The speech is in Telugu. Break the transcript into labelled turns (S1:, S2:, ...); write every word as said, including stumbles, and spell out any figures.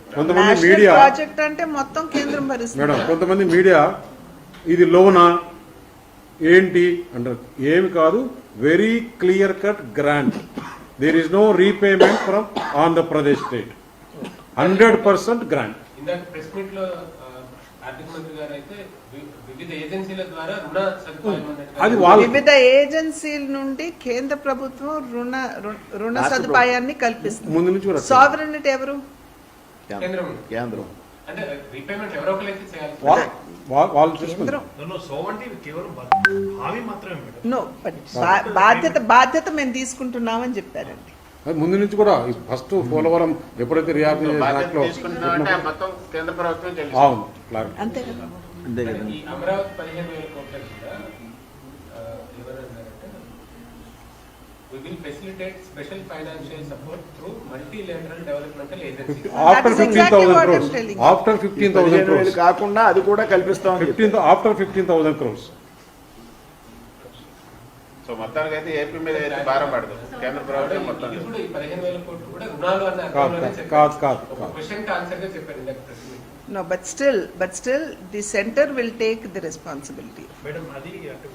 S1: కొంతమంది మీడియా
S2: ప్రాజెక్ట్ అంటే మొత్తం కేంద్రం భరిస్తుంది
S1: మేడం, కొంతమంది మీడియా ఇది లోనా ఏంటి అంటారు. ఏమి కాదు, very clear cut grant. There is no repayment from Andhra Pradesh state. Hundred percent grant.
S3: ఇందాక ప్రెస్ మీట్ లో ఆర్థిక మంత్రి గారు అయితే వివిధ ఏజెన్సీల ద్వారా రుణ సదుపాయం
S1: అది వాళ్ళ
S2: వివిధ ఏజెన్సీల నుండి కేంద్ర ప్రభుత్వం రుణ రుణ సదుపాయాన్ని కల్పిస్తుంది.
S1: ముందు నుంచి కూడా
S2: సావరెనిటీ ఎవరు?
S3: కేంద్రం.
S4: కేంద్రం
S3: అంటే రీపేమెంట్ ఎవరో ఒకరైతే చేయాలి.
S1: వా- వా- వాళ్ళు చూసుకుంటారు.
S2: కేంద్రం.
S5: సోవంటి కేవలం హామీ మాత్రమే మేడం.
S2: నో బట్ బాధ్యత బాధ్యత మేము తీసుకుంటున్నామని చెప్పారండి.
S1: అది ముందు నుంచి కూడా ఫస్ట్ పోలవరం ఎప్పుడైతే రియాక్ట్
S6: బాధ్యత తీసుకుంటున్నామంటే మొత్తం కేంద్ర ప్రభుత్వం చెల్లిస్తుంది.
S1: అవును క్లారిటీ.
S2: అంతే కదా.
S4: అంతే కదా.
S3: ఈ అమరావతి పదిహేను వేల కోట్ల కూడా ఎవరన్నారంటే we will facilitate special financial support through multilateral developmental agencies.
S1: After
S2: is
S1: fifteen
S2: exactly
S1: thousand
S2: what I'm
S1: crores
S2: telling.
S1: After fifteen thousand
S4: పదిహేను వేలు
S1: క్రోర్స్
S4: కాకుండా అది కూడా కల్పిస్తామని
S1: fifteen after fifteen thousand crores
S6: so మొత్తానికి అయితే ఏపీ మీద అయితే భారం పడదు కేంద్ర ప్రభుత్వం మొత్తం.
S3: ఇది కూడా ఈ పదిహేను వేల కోట్లు కూడా రుణాలు అన్న
S1: కాదు
S3: అర్థంలోనే
S1: కాదు
S3: చెప్పారు.
S1: కాదు కాదు
S3: ఒక
S1: కాదు.
S3: క్వశ్చన్ కి ఆన్సర్ గా చెప్పారు ఇందాక press meet.
S2: No, but still, but still, the center will take the responsibility.
S5: Madam అది అంటే